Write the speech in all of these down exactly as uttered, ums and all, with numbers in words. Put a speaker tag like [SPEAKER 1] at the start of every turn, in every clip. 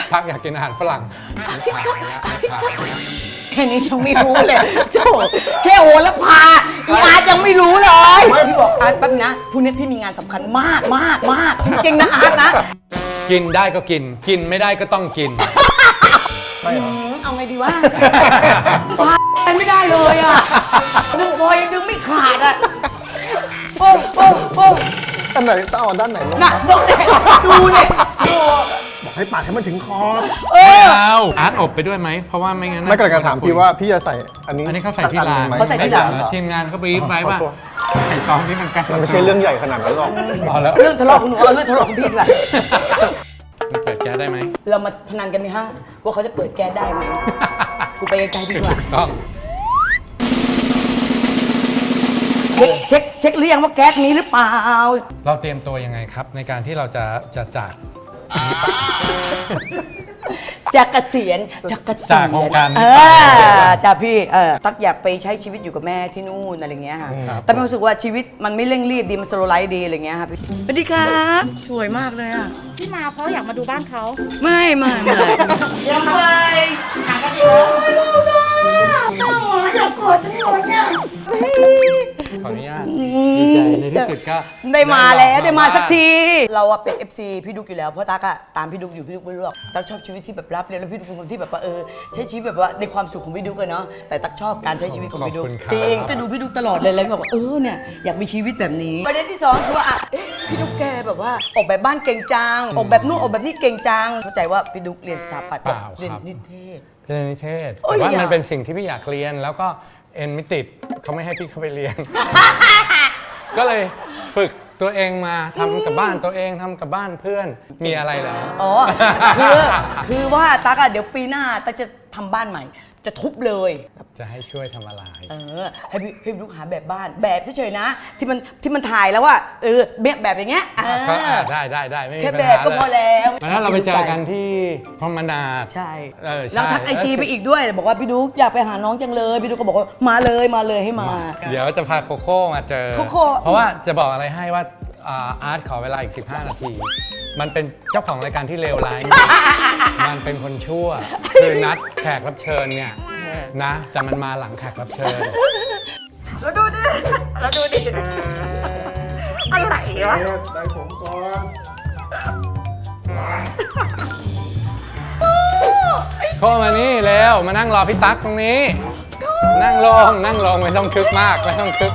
[SPEAKER 1] พักอยากกินอาหารฝรั่ง
[SPEAKER 2] แค่นี้ยังไม่รู้เลยโธ่แค่โอแล้วพาอาร์ตยังไม่รู้เลยพี่บอกอาร์ตแป๊บนะพรุ่งนี้พี่มีงานสำคัญมากมากมากจริงๆนะอาร์ตนะ
[SPEAKER 1] กินได้ก็กินกินไม่ได้ก็ต้องกิน
[SPEAKER 2] เอาไงดีวะพาไม่ได้เลยอ่ะดึงพอยังดึงไม่ขาดอ่ะโป้งโป้งโป้ง
[SPEAKER 3] อันไหนต้องเอาด้านไหนลง
[SPEAKER 2] น่ะดูเนี่ยดูเนี่ย
[SPEAKER 3] บอกให้ปาดให้มันถึงคอ
[SPEAKER 1] ไม่เอาอาร์ตอบไปด้วยไหมเพราะว่าไม่งั้น
[SPEAKER 3] ไม่กระถามพี่ว่าพี่จะใส่อันนี้
[SPEAKER 1] อันนี้เขาใส่ที่ร้าน
[SPEAKER 2] เขาใส่ที่ร้าน
[SPEAKER 1] ทีมงานเขาบีบไว้ว่าใส่ตอนนี้มันใกล้
[SPEAKER 3] มันไม่ใช่เรื่องใหญ่ขนาดนั้นหรอก
[SPEAKER 2] เรื่องทะเลาะของหนูเอาเรื่องทะเลาะของพี่ดีกว่า
[SPEAKER 1] มันเปิดแก๊สได้ไหม
[SPEAKER 2] เรามาพนันกันไหมฮะว่าเขาจะเปิดแก๊สได้ไหมกูไปไกลๆดีกว่า
[SPEAKER 1] ต้อง
[SPEAKER 2] เช็คเช็คเช็คหรือยังว่าแก๊สนี้หรือเปล่า
[SPEAKER 1] เราเตรียมตัวยังไงครับในการที่เราจะจะจาก
[SPEAKER 2] จากเกษียณจากเกษียณ
[SPEAKER 1] จากวงการ
[SPEAKER 2] เออจ้าพี่เออตั๊กอยากไปใช้ชีวิตอยู่กับแม่ที่นู่นอะไรเงี้ยค่ะแต่รู้สึกว่าชีวิตมันไม่เร่งรีบดีมันสโลว์ไลฟ์ดีอะไรเงี้ยค่ะพี่สวัสดีครับสวยมากเลยอ่ะ
[SPEAKER 4] พี่มาเพราะอยากมาดูบ้านเขา
[SPEAKER 2] ไม่ไม่ไม่ยังไปหากันดีแล้วอยากกอดจังเลยเนี่ย
[SPEAKER 1] ขออนุญาตดีใจในที่สุดก็
[SPEAKER 2] ได้มาแล้วได้มาสักทีเราอะเป็น เอฟ ซี พี่ดุ๊กอยู่แล้วเพราะตั๊กอะตามพี่ดุ๊กอยู่พี่ดุ๊กไม่รู้หรอกตั๊กชอบชีวิตที่แบบรับเรียนแล้วพี่ดุ๊กเป็นคนที่แบบว่าเออใช้ชีวิตแบบว่าในความสุขของพี่ดุ๊กเลยเนาะแต่ตั๊กชอบการใช้ชีวิตของพี่ดุ๊กจริงจะดูพี่ดุ๊กตลอดเลยแล้วแบบเออเนี่ยอยากมีชีวิตแบบนี้ประเด็นที่สองคือว่าอะเอ๊ะพี่ดุ๊กแกแบบว่าออกแบบบ้านเก่งจังออกแบบนู่นออกแบบนี้เก่งจังเข้าใจว่าพี่ดุ๊กเรียนสถาปัตย์เรียนนิเทศ
[SPEAKER 1] เรียนนิเทศแต่ว่ามันเป็นสิ่งที่พี่อยากเรียนแล้วก็เอ็นไม่ติดเขาไม่ให้พี่เข้าไปเรียนก็เลยฝึกตัวเองมาทำกับบ้านตัวเองทำกับบ้านเพื่อนมีอะไรเหรอ
[SPEAKER 2] อ๋อคือคือว่าตั๊กอะเดี๋ยวปีหน้าตั๊กจะทำบ้านใหม่จะทุบเลย
[SPEAKER 1] จะให้ช่วยทำอะไร
[SPEAKER 2] เออให้พี่ให้ลูกหาแบบบ้านแบบเฉยๆนะที่มันที่มันถ่ายแล้วว่าเออแบบแบบอย่างเงี้ย
[SPEAKER 1] ได้ได้ได้ไม่มี
[SPEAKER 2] ปัญหาแค่แบบก็พอแล้ว
[SPEAKER 1] วันนั้นเราไปเจอกันที่พรหมนา
[SPEAKER 2] ใช่แล้วทักไอจีไปอีกด้วยบอกว่าพี่ดุ๊กอยากไปหาน้องจังเลยพี่ดุ๊กก็บอกว่ามาเลยมาเลยให้มา
[SPEAKER 1] เดี๋ยวจะพาโคโค่มาเจอเพราะว่าจะบอกอะไรให้ว่าอาร์ตขอเวลาอีกสิบห้านาทีมันเป็นเจ้าของรายการที่เลวร้ายมันเป็นคนชั่วคือนัดแขกรับเชิญเนี่ยนะแต่มันมาหลังแขกรับเชิญ
[SPEAKER 2] แล้วดูดิแล้วดูดิอะไรวะ
[SPEAKER 3] ได้ผมก่อน
[SPEAKER 1] โค้มานี่เร็วมานั่งรอพี่ตั๊กตรงนี้นั่งลงนั่งลงไม่ต้องคึกมากไม่ต้องคึก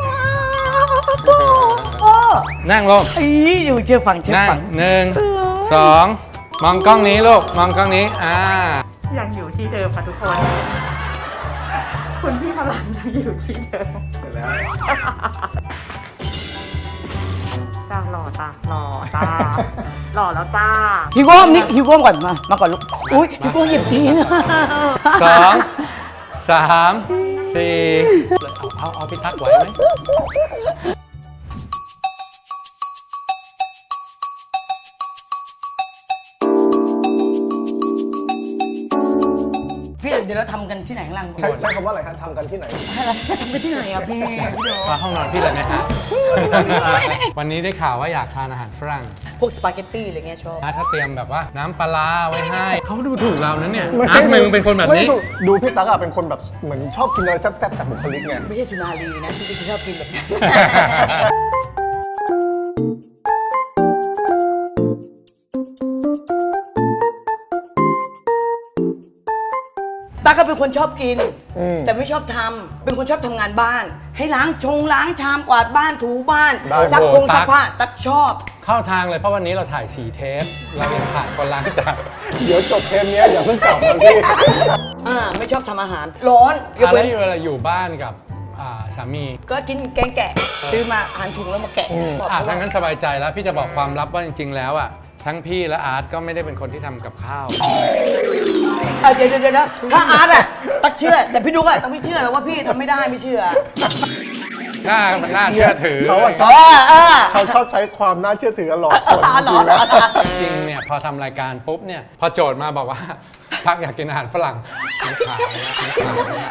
[SPEAKER 1] นั่งลง
[SPEAKER 2] อีอยู่เชื่อฟังเชื่อฟัง
[SPEAKER 1] หนึ่งสองมองกล้องนี้ลูกมองกล้องนี้อ่า
[SPEAKER 4] ยังอยู่ที่เดิมค่ะทุกคนคุณพี่พลังยังอยู่ที่เดิมเสร็จแล้วจ้าหล่อจ้าหล่อจ้าหล่อแล้วจ้า
[SPEAKER 2] ฮิวโก้นี่ฮิวโก้ก่อนมามาก่อนลูกอุ้ยฮิวโก้หยิบทีนะ
[SPEAKER 1] สองสามสี่เอาเอาพี่ตั๊กไหวไหม
[SPEAKER 2] พี่เดี๋ยวเราทำกันที่ไหนข้างล่าง
[SPEAKER 3] ใช้ใช้คำว่าอะไรฮะทำกันที่ไหน
[SPEAKER 2] ทำกันที่ไหนอ่ะพี่
[SPEAKER 1] มาห้องนอนพี่เลยไหมฮะวันนี้ได้ข่าวว่าอยากทานอาหารฝรั่ง
[SPEAKER 2] พวกสปาเกตตี้อะไรเงี้ยชอบ
[SPEAKER 1] ถ้าเตรียมแบบว่าน้ำปลาไว้ให้เขาดูถูกเรานะเนี่ยอาร์ตมึงเป็นคนแบบนี้
[SPEAKER 3] ดูพี่ตั๊กอะเป็นคนแบบเหมือนชอบกินอะไรแซ่บๆจากบุคลิกไง
[SPEAKER 2] ไม่ใช่สุนารีนะที่ชอบกินแบบนั้นตั๊กก็เป็นคนชอบกินแต่ไม่ชอบทำเป็นคนชอบทำงานบ้านให้ล้างชงล้างชามกวาดบ้านถูบ้านซักพงซักผ้าตั๊กชอบ
[SPEAKER 1] เข้าทางเลยเพราะวันนี้เราถ่ายสี่เทปเรายังขาดคนล้างจาน
[SPEAKER 3] เดี๋ยวจบเทปนี้อย่าเพิ่งกลับนะพี่
[SPEAKER 2] อ่าไม่ชอบทำอาหารร้อน
[SPEAKER 1] อะไรเวลาอยู่บ้านกับสามี
[SPEAKER 2] ก็กินแกงแกะซื้อมาหั่นถุงแล้วมาแกะ
[SPEAKER 1] อ่ะถ้างั้นสบายใจแล้วพี่จะบอกความลับว่าจริงๆแล้วอ่ะทั้งพี่และอาร์ตก็ไม่ได้เป็นคนที่ทำกับข้าว
[SPEAKER 2] เดี๋ยวเดี๋ยวเดี๋ยวถ้าอาร์ตอ่ะตั๊กเชื่อแต่พี่ดุ๊กอ่ะต้องไม่เชื่อแล้วว่าพี่ทำไม่ได้ไม่เชื่อ
[SPEAKER 1] น่ามันน่าเชื่อถือ
[SPEAKER 3] เขาชอบเขาชอบใช้ความน่าเชื่อถือหลอกคน
[SPEAKER 1] จริงเนี่ยพอทำรายการปุ๊บเนี่ยพอโจทย์มาบอกว่าพักอยากกินอาหารฝรั่งไม่ขายนะไม่ขาย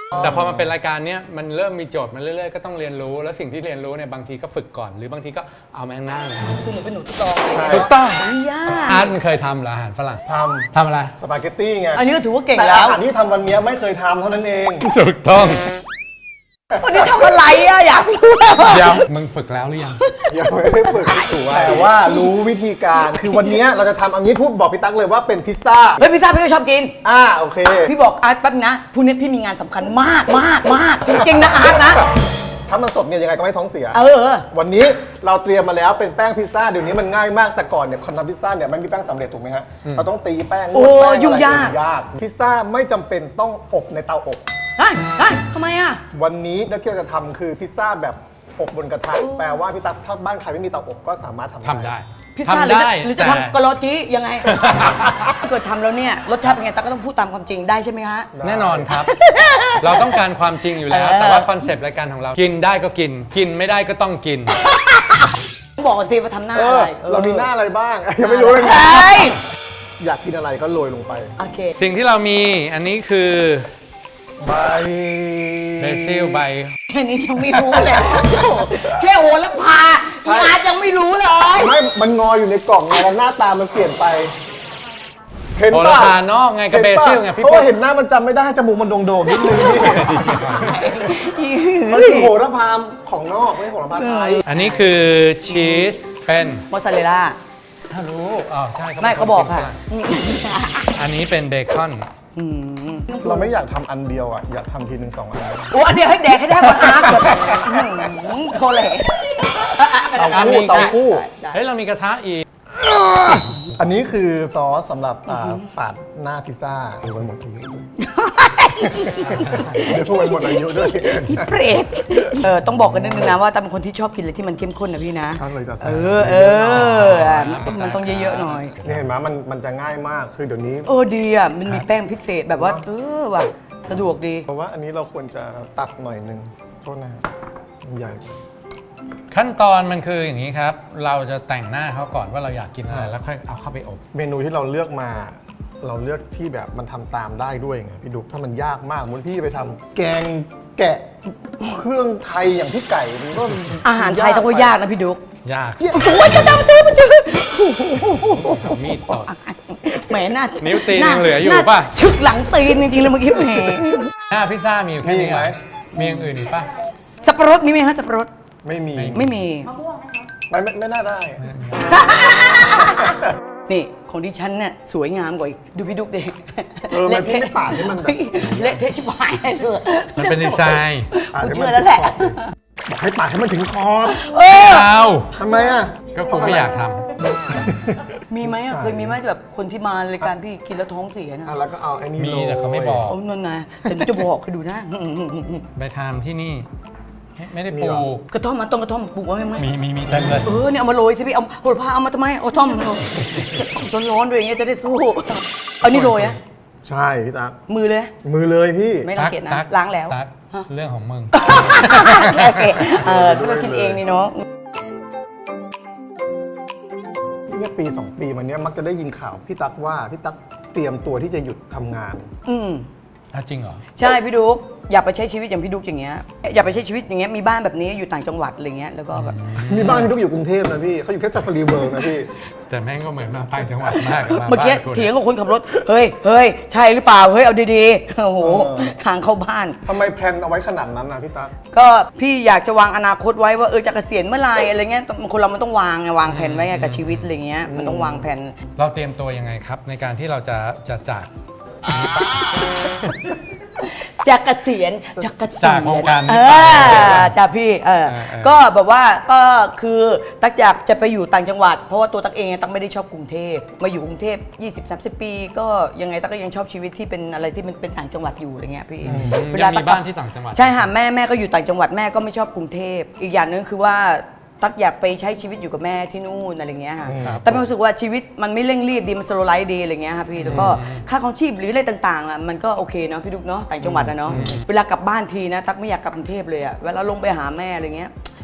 [SPEAKER 1] แต่พอมาเป็นรายการเนี้ยมันเริ่มมีโจทย์มาเรื่อยๆก็ต้องเรียนรู้แล้วสิ่งที่เรียนรู้เนี่ยบางทีก็ฝึกก่อนหรือบางทีก็เอามานั่ง
[SPEAKER 2] คือหนูเป็นหนูทดลอง
[SPEAKER 3] ใช่
[SPEAKER 1] ถูกต้อง
[SPEAKER 2] ไม่ยาก
[SPEAKER 1] อาร์ตมันเคยทำเหรออาหารฝรั่ง
[SPEAKER 3] ท
[SPEAKER 1] ทำอะไร
[SPEAKER 3] ำสปาเกตตี้ไง
[SPEAKER 2] อันนี้ก็ถือว่าเก่ง
[SPEAKER 3] แต่
[SPEAKER 2] แล้
[SPEAKER 3] อาว หารที่ทำวันนี้ไม่เคยทำเท่านั้นเอง
[SPEAKER 1] ถูกต้อง
[SPEAKER 2] วันนี้ทำอะไรอะอยากรู้อะ
[SPEAKER 1] เดี๋ยวมึงฝึกแล้วหรือยัง
[SPEAKER 3] ยังไม่ได้ฝึกแต่ว่ารู้วิธีการคือวันนี้เราจะทำอันนี้พูดบอกพี่ตั๊กเลยว่าเป็นพิซซ่า
[SPEAKER 2] เฮ้ยพี่ซ่าพี่ก็ชอบกิน
[SPEAKER 3] อ่าโอเค
[SPEAKER 2] พี่บอกอาร์ตแป๊บนะพรุ่งนี้พี่มีงานสำคัญมากมากมากจริงๆนะอาร์ตนะ
[SPEAKER 3] ถ้ามันสดเนี่ยยังไงก็ไม่ท้องเสีย
[SPEAKER 2] เออ
[SPEAKER 3] วันนี้เราเตรียมมาแล้วเป็นแป้งพิซซ่าเดี๋ยวนี้มันง่ายมากแต่ก่อนเนี่ยคนทำพิซซ่าเนี่ยไม่มีแป้งสำเร็จถูกไหมฮะเราต้องตีแป้งน
[SPEAKER 2] โอ้
[SPEAKER 3] วดแป้งอะไร
[SPEAKER 2] ยุ่งยาก
[SPEAKER 3] ยากพิซซ่าไม่จำเป็นต้องอบในเตาอบ
[SPEAKER 2] ได้ได้ทำไมอะ
[SPEAKER 3] วันนี้ที่เราจะทำคือพิซซ่าแบบอบบนกระทะแปลว่าพี่ตั๊กถ้าบ้านใครไม่มีเตาอบก็สามารถทำ
[SPEAKER 1] ทำได้
[SPEAKER 2] พิซซ่าหรือ
[SPEAKER 1] ทำ
[SPEAKER 2] จะ
[SPEAKER 1] ได้
[SPEAKER 2] หรือจะ
[SPEAKER 1] แต่
[SPEAKER 2] ทำกะโลจียังไง ถ้าเกิดทำแล้วเนี่ยรสชาติเป็นไงตั๊กก็ต้องพูดตามความจริงได้ใช่ไหมฮะ
[SPEAKER 1] แน่นอนครับ เราต้องการความจริงอยู่แล้ว
[SPEAKER 2] เออ
[SPEAKER 1] แต่ว่าคอนเซปต์รายการของเรา กินได้ก็กิน กินไม่ได้ก็ต้องกิน
[SPEAKER 2] บอกกันสิว่าทำหน้า
[SPEAKER 3] เอ
[SPEAKER 2] อะ
[SPEAKER 3] อ
[SPEAKER 2] ไร
[SPEAKER 3] เรามีหน้าอะไรบ้าง ยังไม่รู้เลย
[SPEAKER 2] เฮ
[SPEAKER 3] นะ
[SPEAKER 2] ้ย
[SPEAKER 3] อยากกินอะไรก็โรยลงไป
[SPEAKER 2] โอเค
[SPEAKER 1] สิ่งที่เรามีอันนี้คือ
[SPEAKER 3] ใบ
[SPEAKER 1] เบซิลใบ
[SPEAKER 2] แค่นี้ยังไม่รู้เลย แค่โอแล้วพาอาร์ตยังไม่รู้เลย
[SPEAKER 3] ไม่มันงออยู่ในกล่องไงแล้วหน้าตามันเปลี่ยนไป เห็น
[SPEAKER 1] โห
[SPEAKER 3] ป่ะ
[SPEAKER 1] ระพานอกไงกับเบซิลไงพี่
[SPEAKER 3] เพราะ
[SPEAKER 1] ปุ๊
[SPEAKER 3] ว่าเห็นหน้ามันจำไม่ได้จมูกมันโด่งๆนิดนึงนี่มันคือโหระพาของนอกไม่ใช่โหระพาไทย
[SPEAKER 1] อันนี้คือชีสเป็น
[SPEAKER 2] มอสซาเรลล่า
[SPEAKER 1] ถ้ารู้อ๋อใช่
[SPEAKER 2] ไม่เขาบอกค่ะ
[SPEAKER 1] อันนี้เป็นเบคอน
[SPEAKER 3] เราไม่อยากทำอันเดียวอ่ะอยากทำทีหนึ่งสองอัน
[SPEAKER 2] โอ้อันเดียวให้แดกให้ได้ก่อนอาร์ตอื้อหือโทรเลย
[SPEAKER 3] เตาคู่เตาคู่
[SPEAKER 1] เฮ้ยเรามีกระทะอีก
[SPEAKER 3] อันนี้คือซอสสำหรับอ่าปาดหน้าพิซซ่าดูมันหมดอายุด้วยดูมันหมดอายุด้วย
[SPEAKER 2] เปรตเออต้องบอกกันนิดนึงนะว่าตามเป็นคนที่ชอบกินอะไรที่มันเข้มข้นนะพี่นะ
[SPEAKER 3] ก็เลยจะใส่
[SPEAKER 2] เออเอออ่ะมันต้องเยอะๆหน่อย
[SPEAKER 3] เนี่ยเห็นไหมมันมันจะง่ายมากคือเดี๋ยวนี้
[SPEAKER 2] เออดีอ่ะมันมีแป้งพิเศษแบบว่าเออว่ะสะดวกดี
[SPEAKER 3] เพราะว่าอันนี้เราควรจะตัดหน่อยนึงโทษนะฮะมันใหญ่
[SPEAKER 1] ขั้นตอนมันคืออย่างนี้ครับ เราจะแต่งหน้าเขาก่อนว่าเราอยากกินอะไรแล้วค่อยเอาเข้าไปอบ
[SPEAKER 3] เมนูที่เราเลือกมา เราเลือกที่แบบมันทำตามได้ด้วยไงพี่ดุกถ้ามันยากมากมุนพี่ไปทำแกงแกะเครื่องไทยอย่างพี่ไก่มันก็
[SPEAKER 2] อาหารไทยต้องว่ายากนะพี่ดุ๊ก
[SPEAKER 1] ยาก
[SPEAKER 2] โอ้ยจะดำตื้อมันจะ
[SPEAKER 1] เอามีดตบ
[SPEAKER 2] แหมหน้า
[SPEAKER 1] นิ้วตีน
[SPEAKER 2] า
[SPEAKER 1] ยังเหลืออยู่
[SPEAKER 2] น้า
[SPEAKER 1] ป่ะ
[SPEAKER 2] ชึกหลังตีนจริงๆเลยเมื่อกี้แหม
[SPEAKER 1] หน้าพิซซ่ามีอยู่แค่นี้เหรอมีอย่างอื่นอีกป่ะ
[SPEAKER 2] สับปะรดมีไหมฮะสับปะรด
[SPEAKER 3] ไม่มี
[SPEAKER 2] ไม่มี
[SPEAKER 3] ไม่ไม่ไม่น่าได้
[SPEAKER 2] นี่ของดิฉันเนี่ยสวยงามกว่าอีกดูพี่ดุ๊กดิ
[SPEAKER 3] เออมันพี่ไม่ปาดให้มันแบบ
[SPEAKER 2] เละเทะชิบหายเลย
[SPEAKER 1] มันเป็นดีไซน์
[SPEAKER 3] ปาด
[SPEAKER 2] กู
[SPEAKER 3] ให้มัน
[SPEAKER 2] เชื่อแล้วแหละ
[SPEAKER 3] บอกให้ปาดให้มันถึงคอบ
[SPEAKER 2] เออ
[SPEAKER 1] เอา
[SPEAKER 3] ทำไมอ่ะ
[SPEAKER 1] ก็กูไม่อยากท
[SPEAKER 2] มีไหมอะเคยมีไหมแบบคนที่มารายการพี่กินแล้วท้องเสียนะ
[SPEAKER 3] อ่ะแล้วก็เอาไอ้นี่
[SPEAKER 1] ำมี
[SPEAKER 3] โรย
[SPEAKER 1] แต่เขาไม่บอก
[SPEAKER 2] โอ้นั่นนะแต่หนูจะบอกให้ดูนะ
[SPEAKER 1] ไปทำที่นี่ ไม่ได้
[SPEAKER 3] มี
[SPEAKER 1] ป
[SPEAKER 3] เหร
[SPEAKER 1] ลู
[SPEAKER 3] อ
[SPEAKER 1] ก
[SPEAKER 2] กระท่อมมันต้องกระท่อมปลูกไว้ไหม
[SPEAKER 1] มีมีมีเต็มเลย
[SPEAKER 2] เออเนี่ยเอามาโรยสิพี่เอาโหระพาเอามาทำไมเอาท่อมเอาท่อมร้อนๆด้วยอย่างเงี้ยจะได้สู้เอานี่โรยอะ
[SPEAKER 3] ใช่พี่ตั๊ก
[SPEAKER 2] มือเลย
[SPEAKER 3] มือเลยพี่
[SPEAKER 2] ไม่รังเกียจนะ
[SPEAKER 1] ตั๊ก
[SPEAKER 2] ล้างแล้ว
[SPEAKER 1] ตั๊ก
[SPEAKER 2] ฮะ
[SPEAKER 1] เรื่องของมึง
[SPEAKER 2] โอเคเออพี่เรากินเองนี่เนาะ
[SPEAKER 3] เนี่ยปีสองปีมันเนี้ยมักจะได้ยินข่าวพี่ตั๊กว่าพี่ตั๊กเตรียมตัวที่จะหยุดทำงาน
[SPEAKER 2] อืม
[SPEAKER 1] อ่ะจริงเหรอ
[SPEAKER 2] ใช่พี่ดุ๊กอย่าไปใช้ชีวิตอย่างพี่ดุ๊กอย่างเงี้ยอย่าไปใช้ชีวิตอย่างเงี้ยมีบ้านแบบนี้อยู่ต่างจังหวัดอะไรเงี้ยแล้วก็แบบ
[SPEAKER 3] มีบ้านพี่ทุกอยู่กรุงเทพนะพี่เขาอยู่แค่ซัฟฟารีเวิร์นะพี่
[SPEAKER 1] แต่แม่งก็เหมือนมาต่างจังหวัดมากา
[SPEAKER 2] เมื่อกี้
[SPEAKER 1] บ้าน
[SPEAKER 2] เถียงกับคนขับรถเฮ้ยเฮ้ยใช่หรือเปล่าเฮ้ยเอาดีๆโอ้โห
[SPEAKER 3] เออ
[SPEAKER 2] ทางเข้าบ้าน
[SPEAKER 3] ทำไมแพลนเอาไว้ขนาดนั้นนะพี่ตั๊ก
[SPEAKER 2] ก็พี่อยากจะวางอนาคตไว้ว่าเออจะเกษียณเมื่อไหรอะไรเงี้ยคนเรามันต้องวางไงวางแผนไว้ไงกับชีวิตอะไรเงี้ยมันต้องวางแผน
[SPEAKER 1] เราเตรียมตัวยังไงครับ ในการที่เราจะจะจาก
[SPEAKER 2] จะเกษียณจะเกษียณ
[SPEAKER 1] จากวงการนี้
[SPEAKER 2] เอ
[SPEAKER 1] ไป
[SPEAKER 2] อจ้าพี่เออ
[SPEAKER 1] เออเออ
[SPEAKER 2] ก็แบบว่าก็คือตักอยากจะไปอยู่ต่างจังหวัด เพราะว่าตัวตักเองตักไม่ได้ชอบกรุงเทพมาอยู่กรุงเทพยี่สิบ สามสิบ ปี ก็ยังไงตักก็ยังชอบชีวิตที่เป็นอะไรที่มันเป็นต่างจังหวัดอยู่อะไรเงี้ยพี่
[SPEAKER 1] ยังมีบ้านที่ต่างจังหวัด
[SPEAKER 2] ใช่ค่ะแม่แม่ก็อยู่ต่างจังหวัดแม่ก็ไม่ชอบกรุงเทพอีกอย่างหนึงคือว่าตักอยากไปใช้ชีวิตอยู่กับแม่ที่นู่นอะไรเงี้ยค่ะ
[SPEAKER 1] ครับ
[SPEAKER 2] แต่มีความรู้สึกว่าชีวิตมันไม่เร่งรีบดีมันสโลว์ไลฟ์ดีอะไรเงี้ยค่ะพี่แล้วก็ค่าของชีพหรืออะไรต่างๆอ่ะมันก็โอเคเนาะพี่ดุ๊กเนาะต่างจังหวัดอะเนาะเวลากลับบ้านทีนะตักไม่อยากกลับกรุงเทพเลยอะเวลาลงไปหาแม่อะไรเงี้ย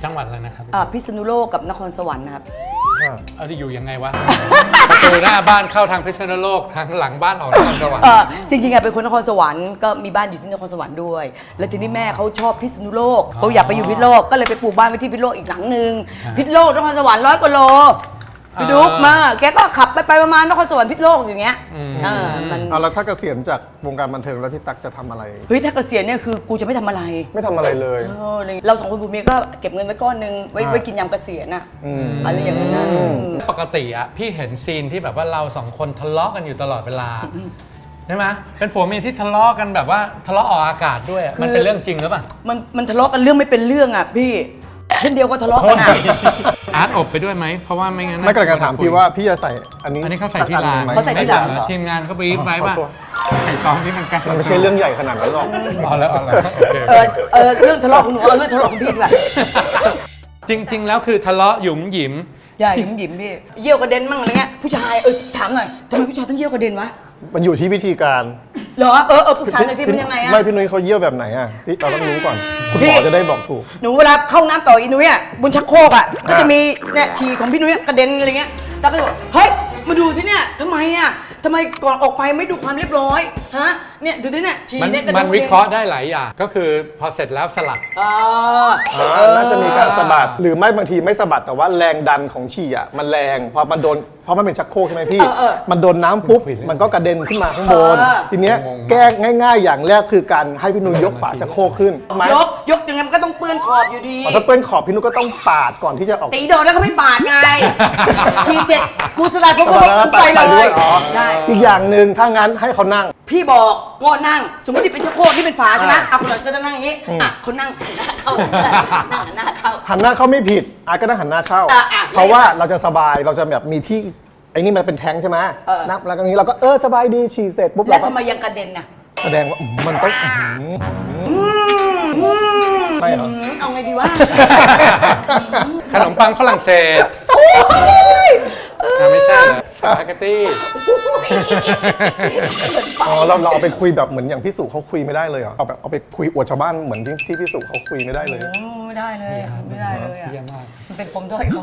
[SPEAKER 1] จังหวัดอะไรนะครับ
[SPEAKER 2] อ่าพิษณุโลกกับนครสวรรค์นะครับ
[SPEAKER 1] เอาที่อยู่ยังไงวะ ประตูหน้าบ้านเข้าทางพิษณุโลกทางหลังบ้านออกนครสวรรค์
[SPEAKER 2] เออจริงๆอะเป็นคนนครสวรรค์ก็มีบ้านอยู่ที่นครสวรรค์ด้วย แล้วทีนี้แม่เขาชอบพิษณุโลกเขาอยากไปอยู่พิษณุโลกก็เลยไปปลูกบ้านไว้ที่พิษณุโลกอีกหลังหนึ่งพิษณุโลกนครสวรรค์ร้อยกว่าโลไปดูมาแกก็ขับไปไปประมาณนครสวรรค์พิษณุโลกอย่างเงี้ยเออมัน
[SPEAKER 3] เอาแล้วถ้าเกษียณจากวงการบันเทิงแล้วพี่ตั๊กจะทำอะไร
[SPEAKER 2] เฮ้ยถ้าเกษียณเนี่ยคือกูจะไม่ทำอะไร
[SPEAKER 3] ไม่ทำอะไรเลย
[SPEAKER 2] เอออะไรเราสองคนผัวเมียก็เก็บเงินไว้ก้อนหนึงไว้ไว้กินยำเกษียณอะอะไรอย่างนั้นนะ
[SPEAKER 1] ปกติอะพี่เห็นซีนที่แบบว่าเราสองคนทะเลาะกันอยู่ตลอดเวลาใช่ไหมเป็นผัวเมียที่ทะเลาะกันแบบว่าทะเลาะออกอากาศด้วยอะมันเป็นเรื่องจริงหรือเปล่า
[SPEAKER 2] มันมันทะเลาะกันเรื่องไม่เป็นเรื่องอะพี่เช่นเดียวก็ทะเลาะกันอะ
[SPEAKER 1] อาร์ตอบไปด้วยไหมเพราะว่าไม่งั้น
[SPEAKER 3] ไม่กระถามพี่ว่าพี่จะใส่อันนี้
[SPEAKER 1] อันนี้เขาใส่ที่ร้าน
[SPEAKER 3] สักอันหนึ่งไหม
[SPEAKER 2] เขาใส่ที่ร้าน
[SPEAKER 1] ไม่ทีมงานเขาบรีฟไว้ว่า
[SPEAKER 3] ขอโทษ
[SPEAKER 1] ใส่ตอนที่มันใกล้
[SPEAKER 3] มันไม่ใช่เรื่องใหญ่ขนาดนั้นหรอก
[SPEAKER 1] เอาแล้วเอาแล้วโอเค
[SPEAKER 2] เออเออเรื่องทะเลาะของหนูเอาเรื่องทะเลาะของพี่ดีกว่า
[SPEAKER 1] จริง ๆ แล้วคือทะเลาะหยุมหยิม
[SPEAKER 2] อย่าหยิ้มหยิ้มพี่เยี่ยวกระเด็นมั่งอะไรเงี้ยผู้ชายเออถามหน่อยทำไมผู้ชายต้องเยี่ยวกระเด็นวะ
[SPEAKER 3] มันอยู่ที่วิธีการ
[SPEAKER 2] เหรอเออเออปรึกษาหน่อยสิเป็นยังไงอะ
[SPEAKER 3] ไม่พี่นุ้ยเขาเยี่ยวแบบไหนอ่ะพี่เราต้องรู้ก่อน คุณห
[SPEAKER 2] พี่
[SPEAKER 3] มอจะได้บอกถูก
[SPEAKER 2] หนูเวลาเข้าน้ำต่ออีนุ้ยอะบนชักโครกอะก็จะมีเนี่ยฉี่ของพี่นุ้ยอะกระเด็นอะไรเงี้ยตาก็จะบอกเฮ้ยมาดูที่เนี่ยทำไมอะทำไมก่อนออกไปไม่ดูความเรียบร้อยฮะเนี่ยดูดิเนี่ยฉี่
[SPEAKER 1] มัน
[SPEAKER 2] เนี่ยกระเด็
[SPEAKER 1] มันวิเคราะห์ได้หลายอย่างก็คือพอเสร็จแล้วสลัด
[SPEAKER 2] อ่า
[SPEAKER 3] อ่าน่าจะมีการสะบัดหรือไม่บางทีไม่สะบัดแต่ว่าแรงดันของฉี่อ่ะมันแรงพอมันโดนเพราะมันเป็นชักโครกใช่ไหมพี่ มันโดนน้ำปุ๊บมันก็กระเด็นขึ้นมาข้างบน ทีเนี้ยแก้ง่าย ๆ อย่างแรกคือการให้พี่นุ้ยยกฝาชักโครกขึ้นไหม
[SPEAKER 2] ยกยกยังไงมันก็ต้องเปื้อนขอบอยู่ดี
[SPEAKER 3] พอถ้าเปื้อนขอบพี่นุ้ยก็ต้องปาดก่อนที่จะออก
[SPEAKER 2] แต่อีโดนแล้วเขาไม่ปาดไง ฉี่เสร็จกูสลัดผมก็บอกกูไปเล
[SPEAKER 3] ด้วย ยอ๋อ
[SPEAKER 2] ใช่
[SPEAKER 3] อีกอย่างหนึ่งถ้างั้นให้เขานั่ง
[SPEAKER 2] พี่บอกก็นั่ง สมมติที่เป็นชักโครกที่เป็นฝาใช่ไหมอ่ะคนเราก็จะนั่งอย่างนี้อ่ะคนนั่งหันหน้าเข้านั่งหันหน้าเข้า
[SPEAKER 3] หันหน้าเข้าไม่ผิดอาร์ตก็นั่งหันหน้าเข้า
[SPEAKER 2] อ่ะอ่ะ
[SPEAKER 3] เพราะว่าเราจะสบายเราจะแบบมีที่ไอ้นี่มันเป็นแท้งใช่ไหม
[SPEAKER 2] เออ
[SPEAKER 3] นับแล้วก็นี้เราก็เออสบายดีฉี่เสร็จปุ๊บ
[SPEAKER 2] แล้ว
[SPEAKER 3] เราก็
[SPEAKER 2] ทำไมยังกระเด็นน่ะ
[SPEAKER 3] แสดงว่าอื้อมันต้องอื้อหือไม่เหรอ
[SPEAKER 2] อืมเอาไงดีวะ
[SPEAKER 1] ขนมปังฝรั่งเศสอ่ะไม่ใช่เหรอสปาเกตตี้
[SPEAKER 3] อ๋อเราเราเอาไปคุยแบบเหมือนอย่างพี่สุเขาคุยไม่ได้เลยเหรอเอาแบบเอาไปคุยอวดชาวบ้านเหมือนที่ที่พี่สุเขาคุยไม่ได้เลย
[SPEAKER 2] โอ้ไม่ได้เลยไม่ได้เลยอ่ะ
[SPEAKER 1] เยี่ยมมาก
[SPEAKER 2] มันเป็นปมด้อยเขา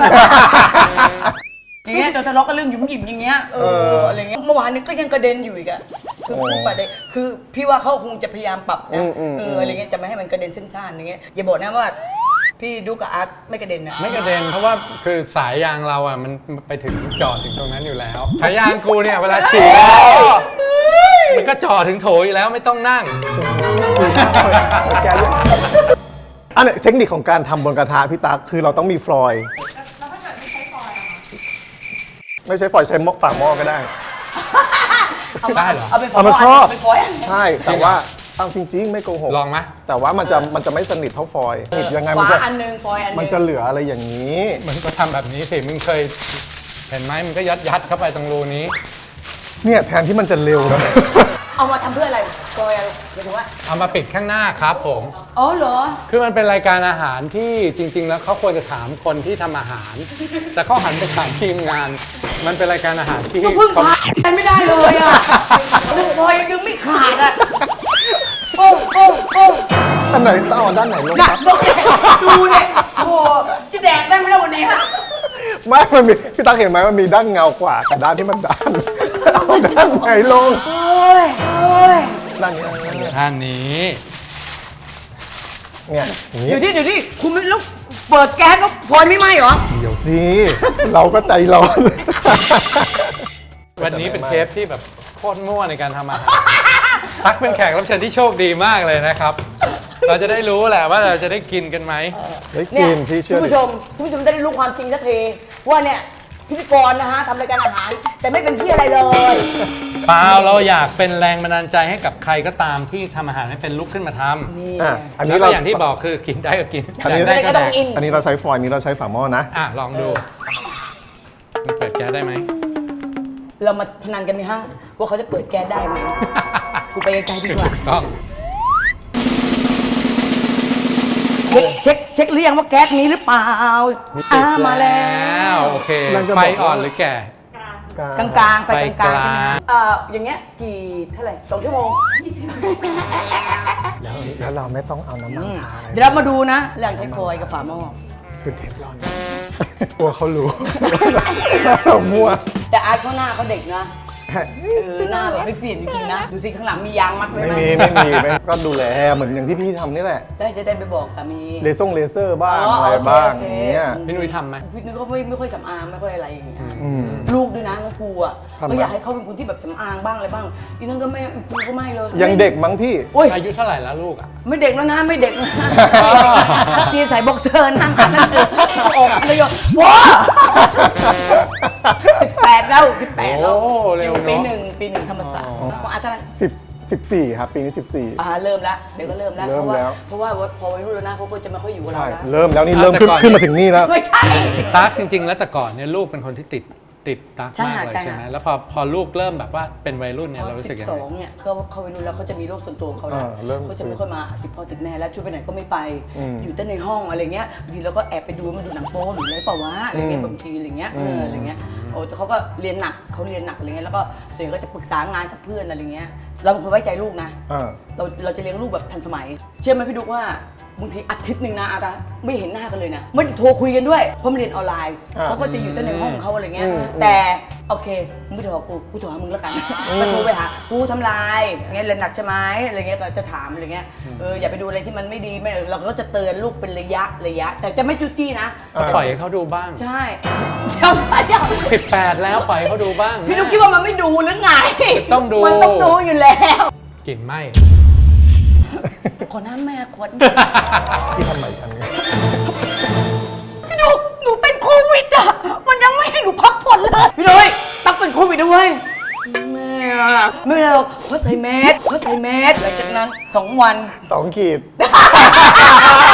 [SPEAKER 2] อย่างเงี้ยเราทะเลาะกันเรื่องหยุ่มหยิมอย่างเงี้ยเอออะไรเงี้ยเมื่อวานนี้ก็ยังกระเด็นอยู่อีกอะคือพูดไปเลยคือพี่ว่าเขาคงจะพยายามปรับนะเอออะไรเงี้ยจะไม่ให้มันกระเด็นเส้นซ่านอย่างเงี้ยอย่าบอกนะว่าพี่ดูกับอาร์ตไม่กระเด็นนะ
[SPEAKER 1] ไม่กระเด็นเพราะว่าคือสายยางเราอ่ะมันไปถึงจ่อถึงตรงนั้นอยู่แล้วสายยางกูเนี่ยเวลาฉี่มันก็จ่อถึงโถอยู่แล้วไม่ต้องนั่ง
[SPEAKER 3] แกเรื่องอันนี้เทคนิคของการทำบนกระทะพี่ตาคือเราต้องมีฟลอยล์
[SPEAKER 4] แล้วถ้าเกิดไม่ใช้ฟอยล์อะคะ
[SPEAKER 3] ไม่ใช้ฟลอยล์ใช้หม้อฝาหม้อก็ได้
[SPEAKER 2] เอา
[SPEAKER 1] ได้เหรอ
[SPEAKER 2] เอาไปฟอย
[SPEAKER 3] เอามาครอบ
[SPEAKER 2] เาไปฟอย
[SPEAKER 3] ใช่แต่ว่าเอาจริง ๆ ไม่โกหก
[SPEAKER 1] ลองไหม
[SPEAKER 3] แต่ว่ามันจะมันจะไม่สนิทเท่าฟอยล์สนิทยังไงมัน
[SPEAKER 2] ฝา
[SPEAKER 3] จะ
[SPEAKER 2] อันหนึงฟอยอันหนึง
[SPEAKER 3] มันจะเหลืออะไรอย่างนี้
[SPEAKER 1] มันก็ทำแบบนี้สิมึงเคยเห็นไหมมันก็ยัดยัดเข้าไปตรงรูนี้
[SPEAKER 3] เนี่ยแทนที่มันจะเร็วนะ
[SPEAKER 2] เอามาทำเพื่ออะไรฟอยอะไรหมายถึงว่า
[SPEAKER 1] เอามาปิดข้างหน้าครับผม
[SPEAKER 2] อ๋อเหรอ
[SPEAKER 1] คือมันเป็นรายการอาหารที่จริง ๆ แล้วเขาควรจะถามคนที่ทำอาหาร แต่เขาหันไปถามทีมงาน มันเป็นรายการอาหารที่
[SPEAKER 2] ก็เพิ่งพาไปไม่ได้เลยอ่ะฟอยยังไม่ขาดอ่ะโอ้โอ้โอ้
[SPEAKER 3] อันไหนต้องเอาด้านไหนลง
[SPEAKER 2] หนั
[SPEAKER 3] ค
[SPEAKER 2] ก
[SPEAKER 3] รับ
[SPEAKER 2] ตรงนี้ดูเนี่ยโอ้โหจะแดกได้ไหมล่ะวันนี้ฮะ
[SPEAKER 3] ไม่มันมีพี่ตั๊กเห็นไหมมันมีด้านเงากว่ากับด้านที่มันด้านเอาด้านไหนลง
[SPEAKER 2] โอ้ยโอ้ย
[SPEAKER 3] ด้านนี้ด้านนี้
[SPEAKER 1] ท่านนี้
[SPEAKER 3] เนี่ยอย่างนี้
[SPEAKER 2] เดี๋ยวดิเดี๋ยวดิคุณไม่แล้วเปิดแก๊สแล้วฟอยไม่ไหม้เหรอ
[SPEAKER 3] เดี๋ยวสิเราก็ใจร้อน
[SPEAKER 1] วันนี้เป็นเทปที่แบบโคตรมั่วในการทำอาหารตั๊กเป็นแขกรับเชิญที่โชคดีมากเลยนะครับ เราจะได้รู้แหละว่าเราจะได้กินกันไหม
[SPEAKER 3] ได้
[SPEAKER 2] เนี่
[SPEAKER 3] กิ
[SPEAKER 2] ย
[SPEAKER 3] นพี่เชื่
[SPEAKER 2] คุ
[SPEAKER 3] อ
[SPEAKER 2] ณ
[SPEAKER 3] ดิ
[SPEAKER 2] ผู้ชมคุณผู้ชมได้รู้ความจริงสักทีว่าเนี่ยพิธีกรนะฮะทำรายการอาหาร แต่ไม่เป็นที่อะไรเลย
[SPEAKER 1] เปล่าเราอยากเป็นแรงบันดาลใจให้กับใครก็ตามที่ทำอาหารให้เป็นลุกขึ้นมาทำ
[SPEAKER 2] นี่
[SPEAKER 3] อ่ะอัน
[SPEAKER 1] แล้
[SPEAKER 3] นี้
[SPEAKER 1] วก็
[SPEAKER 3] เรา
[SPEAKER 1] อย่างที่บอกคือกินได้ก็กิน
[SPEAKER 3] อันนี้
[SPEAKER 1] อยากได้ก็แดก
[SPEAKER 2] อิน
[SPEAKER 3] อันนี้เราใช้ฟอยล์นี้เราใช้ฝาหม้อนะ
[SPEAKER 1] อ่ะลองดูมันเปิดแก๊สได้ไหม
[SPEAKER 2] เรามาพนันกันไหมฮะว่าเขาจะเปิดแก๊สได้ไหมกูไปไกลๆดีกว่า
[SPEAKER 1] ต้อง
[SPEAKER 2] เช็คเช็คเช็คหรือยังว่าแก๊สมีหรือเปล่าอ่ามาแล้ว
[SPEAKER 1] โอเค
[SPEAKER 3] นั่นจะ
[SPEAKER 1] ไฟ
[SPEAKER 3] บอกว่า
[SPEAKER 1] อ่อนหรือแก่
[SPEAKER 2] กลางๆไฟ
[SPEAKER 1] ไฟ
[SPEAKER 2] กลางๆ
[SPEAKER 1] กลาง
[SPEAKER 2] ใช่ไหมฮะเอ่ออย่างเงี้ยกี่เท่าไหร่สองชั่วโมง
[SPEAKER 3] แล้วเราไม่ต้องเอาน้ำมันทาอะไร
[SPEAKER 2] เดี๋ยวเรามาดูนะแรงใช้คอยกับฝาหม้อ
[SPEAKER 3] เป็นเทฟลอนกลัวเขารู้เรามั่ว
[SPEAKER 2] แต่อาร์ตเขาหน้าเขาเด็กนะเออหน้าแบบไม่เปลี่ยนจริงๆนะดูสิข้างหลังมียางมัดไว้
[SPEAKER 3] ไม่
[SPEAKER 2] ไหม
[SPEAKER 3] มีไม่มีไม่ก็ดูแลเหมือนอย่างที่พี่ทำนี่แหละ
[SPEAKER 2] ได้จะได้ไปบอกสามี
[SPEAKER 3] เลเซอร์เลเซอร์บ้าง
[SPEAKER 2] อ๋อ
[SPEAKER 3] อะไร
[SPEAKER 2] โอเค
[SPEAKER 3] บ้าง
[SPEAKER 2] โอเค
[SPEAKER 3] อย่างเงี้ย
[SPEAKER 1] พี่นุ้ยทำไหม
[SPEAKER 2] พี่นึกเขาไม่ไม่ค่อยสำอางไม่ค่อยอะไรอย่างเงี้ยลูกด้วยนะน้องภูอ่ะ
[SPEAKER 3] ทำไม
[SPEAKER 2] ก็อยากให้เขาเป็นคนที่แบบสำอางบ้างอะไรบ้างอีนั่นก็ไม่ภูก็ไม่เลย
[SPEAKER 3] ยังเด็กมั้งพี่
[SPEAKER 2] โอ้ย
[SPEAKER 1] อายุเท่าไหร่แล้วลูกอ่ะ
[SPEAKER 2] ไม่เด็กแล้วนะไม่เด็กแล้วนะพี่ใส่บ็อกเซอร์นั่งอ่านหนังสือออกอะไรอย่างว้าสิบแปดแล้วสิบแปดแล้ว
[SPEAKER 1] โอ้เร็วเนอะ
[SPEAKER 2] ปีหนึ่งปีหนึ่งธรรมศาสตร์ของอาร์ตเท่าไหร่
[SPEAKER 3] สิบสิบสี่ครับปีนี้สิบสี่
[SPEAKER 2] อ่าเริ่มแล้วเดี๋ยวก็เริ่มแล้ว
[SPEAKER 3] เริ่
[SPEAKER 2] เพ
[SPEAKER 3] ม
[SPEAKER 2] ราะว่า
[SPEAKER 3] แล้ว
[SPEAKER 2] เพราะว่าพอวัยรุ่นแล้วนะเขาก็จะไม่ค่อยอยู่กับเรา
[SPEAKER 3] ใช่
[SPEAKER 2] แล้ว
[SPEAKER 3] เริ่มแล้วนี่เริ่มขึ้น
[SPEAKER 1] แต่ก่อน
[SPEAKER 3] ขึ้นมาถึงนี่แล้ว
[SPEAKER 2] ไม่ใช่
[SPEAKER 1] ตั๊กจริง ๆ แล้วแต่ก่อนเนี่ยลูกเป็นคนที่ติดติดตั๊ก
[SPEAKER 2] ใช่
[SPEAKER 1] มาก
[SPEAKER 2] ค่ะ
[SPEAKER 1] เลย
[SPEAKER 2] ใช่
[SPEAKER 1] ใช่ไหม
[SPEAKER 2] ค่ะ
[SPEAKER 1] แล้วพอพอลูกเริ่มแบบว่าเป็นวัยรุ่นเนี่ยเรารู้
[SPEAKER 2] สิ
[SPEAKER 1] สึก
[SPEAKER 2] บ
[SPEAKER 1] ยัง
[SPEAKER 2] ส
[SPEAKER 1] ไง
[SPEAKER 2] องเนี่ยเขาเขาวัยรุ่นแล้วเขาจะมีโรคส่วนตัวของเขาแล้ว
[SPEAKER 3] อ่าเริ่ม
[SPEAKER 2] เขาจะไม่ค่อยมาติดพ่อติดแม่แล้วช่วยไปไหนก็ไม่ไป อยู่แต่ในห้องอะไรเงี้ยบางทีเราก็แอบไปดูมันดูหนังโป๊หรืออะไรเปล่าวะอะไรเงี้ยบางทีอะไรเงี้ยเอออะไรเงี้ยโอ้แต่เขาก็เรียนหนักเขาเรียนหนักอะไรเงี้ยแล้วก็ส่วนใหญ่ก็จะปรึกษางานกับเพื่อนอะไรเงี้ยเราเป็นคนไว้ใจลูกนะ
[SPEAKER 3] อ่า
[SPEAKER 2] เราเราจะเลี้ยงลูกแบบทันสมัย เชื่อไหมพี่ดุกว่าบางทีอาทิตย์หนึ่งนะอาร์ตไม่เห็นหน้ากันเลยนะไม่ได้โทรคุยกันด้วยเพราะมันเรียนออนไลน์
[SPEAKER 3] อ่า
[SPEAKER 2] เขาก็จะอยู่แต่ในห้องของเขาอะไรเงี้ย
[SPEAKER 3] อืม
[SPEAKER 2] แต่โอเคมึงไม่โทรหากูกูโทรหามึงแล้วกันก็โทรไปหากูทำลายเงี้ยเรียนหนักใช่ไหมอะไรเงี้ยก็จะถามอะไรเงี้ยเอออย่าไปดูอะไรที่มันไม่ดีไม่เราก็จะเตือนลูกเป็นระยะระยะ แต่จะไม่จู้จี้นะ
[SPEAKER 1] ก็ปล่อยให้เขาดูบ้าง
[SPEAKER 2] ใช่เจ้าเจ้า
[SPEAKER 1] สิบแปดแล้วปล่อยให้เขาดูบ้าง
[SPEAKER 2] พี่ดุกคิดว่ามันไม่ดูหรือไง
[SPEAKER 1] ต้องดู
[SPEAKER 2] มันต้องดูอยู่แล้ว
[SPEAKER 1] กลิ่นไหม
[SPEAKER 2] ขอน้ำแม่ขวด
[SPEAKER 3] พี่ทำใหม่อีกอันนึง
[SPEAKER 2] พี่ดุหนูเป็นโควิดอ่ะ มันยังไม่ให้หนูพักผ่อนเลย พี่ดุยตักเป็นโควิดนะเว้ยแม่อะไม่เป็นไรหรอกเพราะใส่แมสเพราะใส่แมสหลังจากนั้นสองวัน
[SPEAKER 3] สองขีด